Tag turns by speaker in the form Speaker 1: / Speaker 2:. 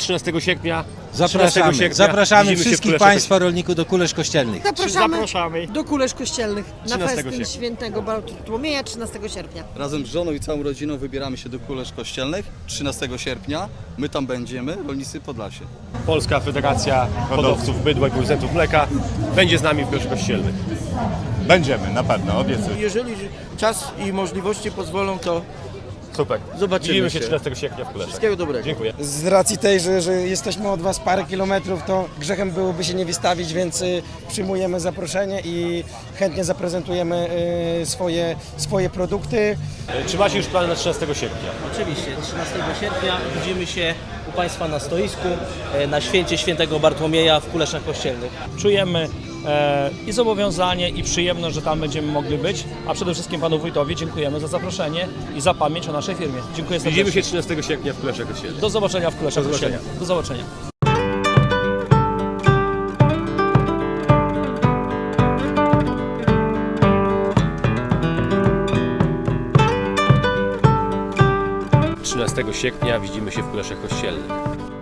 Speaker 1: 13 sierpnia.
Speaker 2: Zapraszamy
Speaker 1: widzimy się w
Speaker 2: wszystkich
Speaker 1: Kuleszach
Speaker 2: Państwa rolników do Kulesz Kościelnych.
Speaker 3: Zapraszamy do Kulesz Kościelnych na
Speaker 1: 13
Speaker 3: festyn
Speaker 1: sierpnia.
Speaker 3: Świętego Bartłomieja 13 sierpnia.
Speaker 4: Razem z żoną i całą rodziną wybieramy się do Kulesz Kościelnych 13 sierpnia. My tam będziemy, rolnicy Podlasie.
Speaker 1: Polska Federacja Hodowców Bydła i Producentów Mleka będzie z nami w Kuleszach Kościelnych.
Speaker 5: Będziemy, na pewno, obiecuję.
Speaker 6: Jeżeli czas i możliwości pozwolą, to
Speaker 1: Super.
Speaker 6: Zobaczymy
Speaker 1: Widzimy się
Speaker 6: się.
Speaker 1: 13 sierpnia w Kuleszach.
Speaker 6: wszystkiego dobrego.
Speaker 1: Dziękuję.
Speaker 7: Z racji tej, że jesteśmy od Was parę kilometrów, to grzechem byłoby się nie wystawić, więc przyjmujemy zaproszenie i chętnie zaprezentujemy swoje produkty.
Speaker 1: Czy macie już plany na 13 sierpnia?
Speaker 8: Oczywiście, 13 sierpnia widzimy się u Państwa na stoisku na święcie Świętego Bartłomieja w Kuleszach Kościelnych.
Speaker 9: Czujemy i zobowiązanie, i przyjemność, że tam będziemy mogli być, a przede wszystkim Panu Wójtowi dziękujemy za zaproszenie i za pamięć o naszej firmie. Dziękuję serdecznie.
Speaker 1: Widzimy się 13 sierpnia w Kuleszach Kościelnych.
Speaker 9: Do zobaczenia w Kuleszach
Speaker 1: Do zobaczenia.
Speaker 9: Kościelnych. Do zobaczenia.
Speaker 1: Sierpnia widzimy się w Kuleszach Kościelnych.